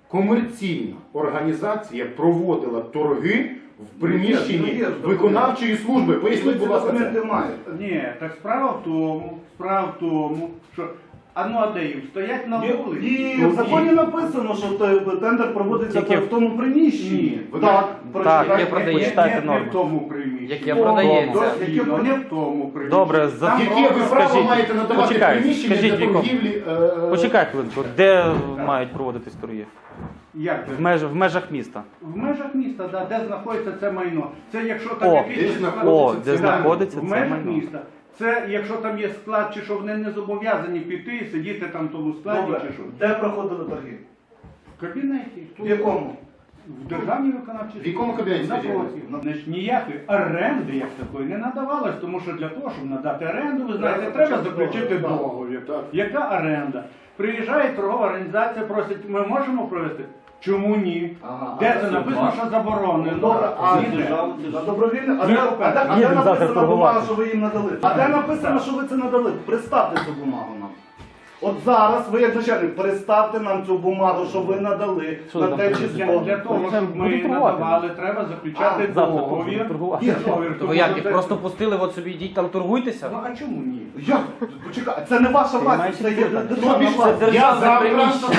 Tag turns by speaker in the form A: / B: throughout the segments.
A: комерційна організація проводила торги в приміщенні виконавчої служби? Поясніть, будь ласка, це.
B: Ні, так справа в тому, що а де їм? Стоять на вулиці.
C: І в законі написано, що тендер проводиться в тому приміщенні.
D: Так, є прочитайте
B: Не
D: норму.
B: в тому приміщенні.
D: Яке продається.
B: Не в тому приміщенні.
D: Добре,
A: Яке ви право маєте надавати приміщення для
D: Віком.
A: торгівлі?
D: Почекай хвилинку, де мають проводитись торги?
B: Як це?
D: В межах міста.
B: В межах міста, да, де знаходиться це майно. Це якщо
D: О,
B: там якийсь
D: де знаходиться
B: в
D: це
B: межах
D: майно.
B: міста. Це якщо там є склад, чи що вони не зобов'язані піти і сидіти там в тому складі,
C: Добре.
B: чи що.
C: Де проходили торги?
B: В кабінеті.
C: В якому?
B: В державній виконавчій.
A: В якому кабінеті, скажіть?
B: Значить, ніякої оренди як такої не надавалось, тому що для того, щоб надати оренду, ви знаєте, треба заключити договір. Яка оренда? Приїжджає торгова організація, просить, ми можемо провести? Чому ні? Де це написано, що заборонено?
C: Добре, а
B: Ніде.
C: на добровільне? А де
D: Їдемо завтра
C: написана
D: торгувати.
C: бумага, що ви їм надали? А де написано, що ви це надали? Представте цю бумагу нам. От зараз ви, як начальник, представте нам цю бумагу, що ви надали
D: Що
C: на
D: там
C: те
D: написано?
C: число.
B: Для того,
D: Будемо
B: щоб ми
D: торгувати.
B: надавали, треба заключати
D: Завтра
B: договір.
D: торгувати.
B: Договір,
E: То
B: тому
E: ви як,
B: що
E: їх
B: це-
E: просто пустили, от собі йдіть там торгуйтеся?
B: Ну а чому ні?
C: Як? Почекай, це не ваша власність, це є державна власність.
A: Я завтра...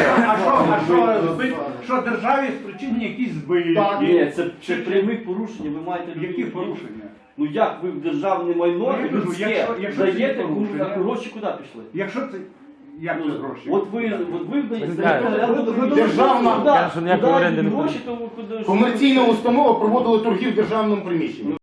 B: Що державі спричинені якісь збитки?
F: Ні, це прямі порушення, ви маєте
B: Які
F: розуміти.
B: порушення?
F: Ну як ви в державне майно
B: Ну, я кажу,
F: людське
B: якщо це
F: даєте,
B: порушення.
F: а гроші куди пішли?
B: Якщо це... Як це гроші?
F: От ви даєте
A: Державна-
D: Кажуть, що ніякої оренди не буде.
F: гроші, то ви куди?
A: Комерційна установа проводила торги в державному приміщенні.